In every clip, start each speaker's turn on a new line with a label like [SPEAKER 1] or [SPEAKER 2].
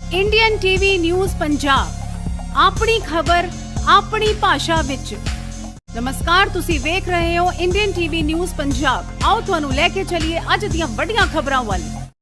[SPEAKER 1] Indian TV news Punjab ਆਪਣੀ ਖਬਰ ਆਪਣੀ ਭਾਸ਼ਾ ਵਿੱਚ। ਨਮਸਕਾਰ, ਤੁਸੀਂ ਵੇਖ ਰਹੇ ਹੋ ਇੰਡੀਅਨ ਟੀਵੀ ਨਿਊਜ਼ ਪੰਜਾਬ। ਆਓ ਤੁਹਾਨੂੰ ਲੈ ਕੇ ਚੱਲੀਏ ਅੱਜ ਦੀਆਂ ਵੱਡੀਆਂ ਖਬਰਾਂ ਵੱਲ।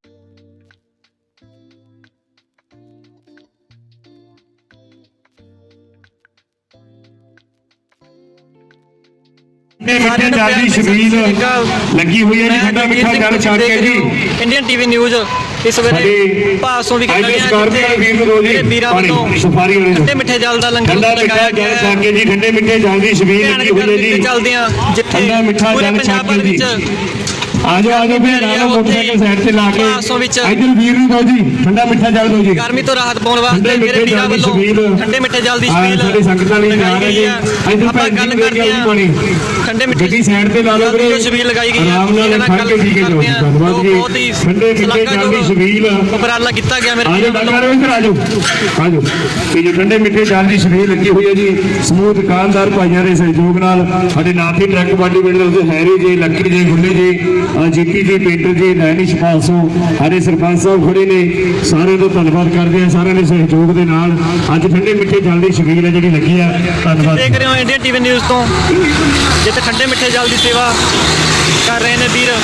[SPEAKER 2] ਮਿੱਠੇ ਜਲ ਦੀ ਛਬੀਲ ਲੱਗੀ ਹੋਈ ਹੈ ਜੀ। ਠੰਡਾ ਮਿੱਠਾ ਜਲ ਛਕ ਕੇ ਜੀ
[SPEAKER 3] ਇੰਡੀਅਨ ਟੀਵੀ ਨਿਊਜ਼ ਇਸ ਵੇਲੇ ਭਾਸੋਂ ਵੀ ਵੀਰਾਂ ਵੱਲੋਂ ਠੰਡੇ ਮਿੱਠੇ ਜਲ ਦਾ ਲੰਗਰ
[SPEAKER 2] ਲਗਾਇਆ ਗਿਆ ਛਕ ਕੇ ਜੀ। ਠੰਡੇ ਮਿੱਠੇ ਜਲ ਦੀ ਛਬੀਲ ਲੱਗੀ ਹੋਈ ਹੈ ਜੀ।
[SPEAKER 3] ਚੱਲਦਿਆਂ ਜਿੱਥੇ
[SPEAKER 2] ਠੰਡਾ ਮਿੱਠਾ ਜਲ ਛਕ ਕੇ ਜੀ। ਆਜੋ ਫਿਰ ਨਾਲ ਮੋਟਰਸਾਈਕਲ ਸਾਈਡ ਤੇ ਲਾ ਕੇ ਇਧਰ ਵੀਰ ਨੂੰ ਦਿਓ ਜੀ ਠੰਡਾ ਮਿੱਠਾ ਜਲ ਦਿਓ ਜੀ।
[SPEAKER 3] ਗਰਮੀ ਤੋਂ ਰਾਹਤ ਪਾਉਣ ਵਾਸਤੇ ਮੇਰੇ ਵੀਰਾਂ ਵੱਲੋਂ ਠੰਡੇ ਮਿੱਠੇ ਜਲ ਦੀ ਛਬੀਲ
[SPEAKER 2] ਸਾਡੀ ਸੰਗਤਾਂ ਲਈ ਜਾ ਰਹੇ ਜੀ। ਇਧਰ
[SPEAKER 3] ਆਪਾਂ ਗੱਲ ਕਰਦੇ ਹਾਂ ਠੰਡੇ ਮਿੱਠੇ
[SPEAKER 2] ਗੱਡੀ ਸਾਈਡ ਤੇ ਲਾ ਲਓ ਵੀਰੇ।
[SPEAKER 3] ਛਬੀਲ ਲਗਾਈ ਗਈ ਹੈ।
[SPEAKER 2] ਆਰਾਮ ਨਾਲ ਖੜ ਕੇ ਠੀਕ ਹੈ ਜੀ। ਧੰਨਵਾਦ ਜੀ। ਠੰਡੇ ਮਿੱਠੇ ਜਲ ਦੀ ਛਬੀਲ
[SPEAKER 3] ਉਪਰਾਲਾ ਕੀਤਾ ਗਿਆ ਮੇਰੇ
[SPEAKER 2] ਆਜੋ ਡਾਕਟਰ ਇੱਧਰ ਆਜੋ ਆਜੋ। ਇਹ ਜੋ ਠੰਡੇ ਮਿੱਠੇ ਜਲ ਦੀ ਛਬੀਲ ਲੱਗੀ ਹੋਈ ਹੈ ਜੀ ਸਮੂਹ ਦੁਕਾਨਦਾਰ ਭਾਈਆਂ ਦੇ ਸਹਿਯੋਗ ਨਾਲ। ਸਾਡੇ ਨਾਥੀ ਟਰੱਕ ਬਾਡੀ ਬਿਲਡਰ ਦੇ ਹੈਰੀ ਜੀ, ਲੱਕੀ ਜੀ, ਗੁੱਲੇ ਜੀ, ਜੀਤੀ ਜੀ, ਪੇਂਟਰ ਜੀ, ਨੈਨਿਸ਼ ਪਾਸੋਂ ਸਾਡੇ ਸਰਪੰਚ ਸਾਹਿਬ ਖੜੇ ਨੇ। ਸਾਰਿਆਂ ਦਾ ਧੰਨਵਾਦ ਕਰਦੇ ਆ ਸਾਰਿਆਂ ਦੇ ਸਹਿਯੋਗ ਦੇ ਨਾਲ ਅੱਜ ਠੰਡੇ ਮਿੱਠੇ ਜਲ ਦੀ ਛਬੀਲ ਹੈ ਜਿਹੜੀ ਲੱਗੀ ਆ। ਧੰਨਵਾਦ।
[SPEAKER 3] ਦੇਖ ਰਹੇ ਹੋ ਇੰਡੀਅਨ ਟੀਵੀ ਨਿਊਜ਼ ਤੋਂ ਜਿੱਥੇ ਠੰਡੇ ਮਿੱਠੇ ਜਲ ਦੀ ਸੇਵਾ ਕਰ ਰਹੇ ਨੇ ਵੀਰ।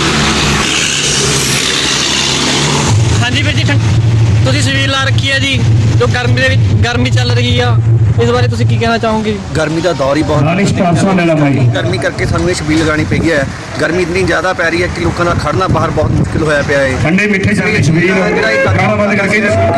[SPEAKER 3] ਹਾਂਜੀ ਵੀਰ ਜੀ, ਤੁਸੀਂ ਛਬੀਲ ਲਾ ਰੱਖੀ ਹੈ ਜੀ ਜੋ ਗਰਮੀ ਦੇ ਵਿੱਚ ਗਰਮੀ ਚੱਲ ਰਹੀ ਆ, ਇਸ ਬਾਰੇ ਤੁਸੀਂ ਕੀ ਕਹਿਣਾ ਚਾਹੋਗੇ?
[SPEAKER 4] गर्मी का दौर ही बहुत गर्मी करके सानू छबील लगानी पई है। गर्मी इतनी ज़्यादा पै रही है कि लोगों का खड़ना बाहर बहुत मुश्किल होया पिया है।
[SPEAKER 2] ठंडे मिठे जल ਦੀ ਛਬੀਲ ਗਾਣਾ ਬੰਦ ਕਰਕੇ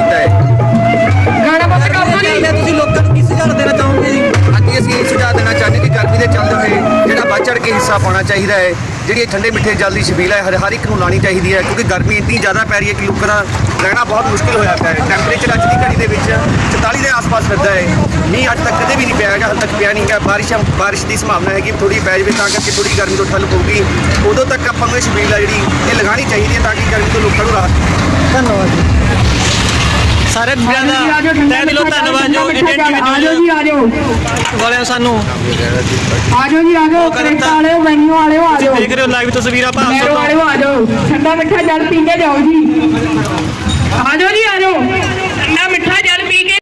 [SPEAKER 3] ਗਾਣਾ ਬੰਦ ਕਰਦੇ ਤੁਸੀਂ ਲੋਕਾਂ ਨੂੰ ਕੀ ਸੁਝਾਅ ਦੇਣਾ ਚਾਹੋਗੇ ਜੀ?
[SPEAKER 4] ਅੱਜ ਅਸੀਂ ਇਹ ਸੁਝਾਅ ਦੇਣਾ ਚਾਹੁੰਦੇ ਕਿ ਗਰਮੀ ਦੇ ਚੱਲਦੇ ਹੋਏ ਜਿਹੜਾ ਵੱਧ ਚੜ੍ਹ ਕੇ ਹਿੱਸਾ ਪਾਉਣਾ ਚਾਹੀਦਾ ਹੈ। ਜਿਹੜੀ ਠੰਡੇ ਮਿੱਠੇ ਜਲ ਦੀ ਛਬੀਲ ਹੈ ਹਰ ਇੱਕ ਨੂੰ ਲਾਣੀ ਚਾਹੀਦੀ ਹੈ ਕਿਉਂਕਿ ਗਰਮੀ ਇੰਨੀ ਜ਼ਿਆਦਾ ਪੈ ਰਹੀ ਹੈ ਕਿ ਲੋਕਾਂ ਦਾ ਰਹਿਣਾ ਬਹੁਤ ਮੁਸ਼ਕਿਲ ਹੋਇਆ ਪਿਆ ਹੈ। ਟੈਂਪਰੇਚਰ ਅੱਜ ਦੀ ਘੜੀ ਦੇ ਵਿੱਚ 44 ਦੇ ਆਸ-ਪਾਸ ਫਿਰਦਾ ਹੈ। ਮੀਂਹ ਅੱਜ ਤੱਕ ਕਦੇ ਵੀ ਨਹੀਂ ਪਿਆ ਹੈਗਾ, ਹਾਲੇ ਤੱਕ ਪਿਆ ਨਹੀਂ ਗਾ। ਬਾਰਿਸ਼ ਦੀ ਸੰਭਾਵਨਾ ਹੈ ਕਿ ਥੋੜੀ ਪੈ ਜਾਵੇ ਤਾਂ ਕਰਕੇ ਥੋੜੀ ਗਰਮੀ ਤੋਂ ਠੱਲ ਪਊਗੀ। ਉਦੋਂ ਤੱਕ ਆਪਾਂ ਨੂੰ ਇਹ ਛਬੀਲ ਆ ਜਿਹੜੀ ਇਹ ਲਗਾਉਣੀ ਚਾਹੀਦੀ ਹੈ ਤਾਂ ਕਿ ਗਰਮੀ ਤੋਂ ਲੋਕਾਂ ਨੂੰ ਰਾਹਤ।
[SPEAKER 3] ਧੰਨਵਾਦ ਜੀ ਸਾਰੇ ਵੀਰਾਂ ਦਾ ਤਹਿ ਦਿਲੋਂ ਧੰਨਵਾਦ ਜੋ ਇੰਡੀਅਨ ਟੀਵੀ ਨਿਊਜ਼ ਵਾਲਿਆਂ ਸਾਨੂੰ
[SPEAKER 5] ਆਜੋ ਜੀ ਆਜੋ ਕਰੇਟਾ ਵਾਲਿਓ ਮੈਨੂ ਵਾਲਿਓ ਆਜੋ
[SPEAKER 3] ਦੇਖ ਰਹੇ ਹੋ ਲਾਈਵ ਤਸਵੀਰਾਂ
[SPEAKER 5] ਮੈਨੂ ਵਾਲਿਓ ਆਜੋ ਠੰਡਾ ਮਿੱਠਾ ਜਲ ਪੀਂਦੇ ਜਾਓ ਜੀ। ਆਜੋ ਜੀ ਆਜੋ।